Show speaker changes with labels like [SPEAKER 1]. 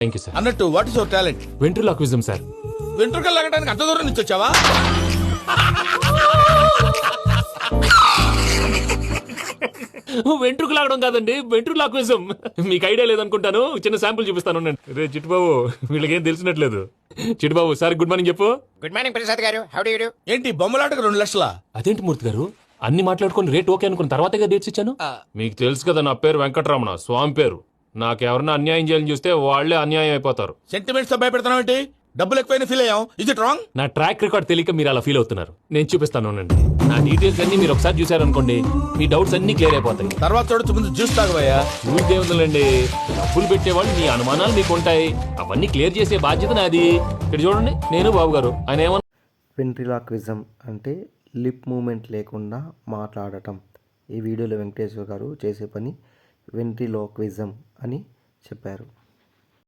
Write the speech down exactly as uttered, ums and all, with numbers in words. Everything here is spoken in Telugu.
[SPEAKER 1] Thank you sir.
[SPEAKER 2] అన్నట్టు what is your talent?
[SPEAKER 1] Ventriloquism sir.
[SPEAKER 2] వెంట్రుకలు లాగడానికి అంత దూరం నుంచి వచ్చావా?
[SPEAKER 1] వెంట్రుకు లాగడం కాదండి, వెంట్రులాక్విజం. మీకు ఐడియా లేదనుకుంటాను, చిన్న శాంపుల్ చూపిస్తాను. రే చిట్టుబాబు, వీళ్ళకేం తెలిసినట్లేదు. చిట్టుబాబు సార్ గుడ్ మార్నింగ్ చెప్పు.
[SPEAKER 3] Good morning Prasad garu, how do you do?
[SPEAKER 2] ఏంటి బొమ్మలాటకు రెండు లక్షలా?
[SPEAKER 1] అదేంటి మూర్తి గారు, అన్ని మాట్లాడుకుని రేట్ ఓకే అనుకున్న తర్వాతగా డేట్స్ ఇచ్చాను. మీకు తెలుసు కదా నా పేరు వెంకటరమణ, స్వామి పేరు. నాకెవరన్నా అన్యాయం చేయాలని చూస్తే వాళ్లే అన్యాయం అయిపోతారు.
[SPEAKER 2] సెంటిమెంట్స్ తో భయపెడతావు ఏంటి? డబ్బులు ఎక్కువైనా ఫీల్ అయ్యాం. Is it wrong?
[SPEAKER 1] నా ట్రాక్ రికార్డ్ తెలియక మీరు అలా ఫీల్ అవుతున్నారు. నేను చూపిస్తాను ఉండండి. నా డీటెయిల్స్ అన్ని మీరు ఒకసారి చూసారనుకోండి, మీ డౌట్స్ అన్ని క్లియర్ అయిపోతాయి.
[SPEAKER 2] తర్వాత చూడొచ్చు, ముందు జ్యూస్ తాగబోయా.
[SPEAKER 1] ఊరికే ఉందండి, డబ్బులు పెట్టేవాళ్ళు మీ అనుమానాలు మీకు ఉంటాయి, అవన్నీ క్లియర్ చేసే బాధ్యత నాది. ఇక్కడ చూడండి, నేను బాబు గారు. ఆయన ఏమన్నా
[SPEAKER 4] వెంట్రిలాక్విజం అంటే లిప్ మూమెంట్ లేకుండా మాట్లాడటం. ఈ వీడియోలో వెంకటేశ్వర గారు చేసే పని వెంట్రిలోక్విజం అని చెప్పారు.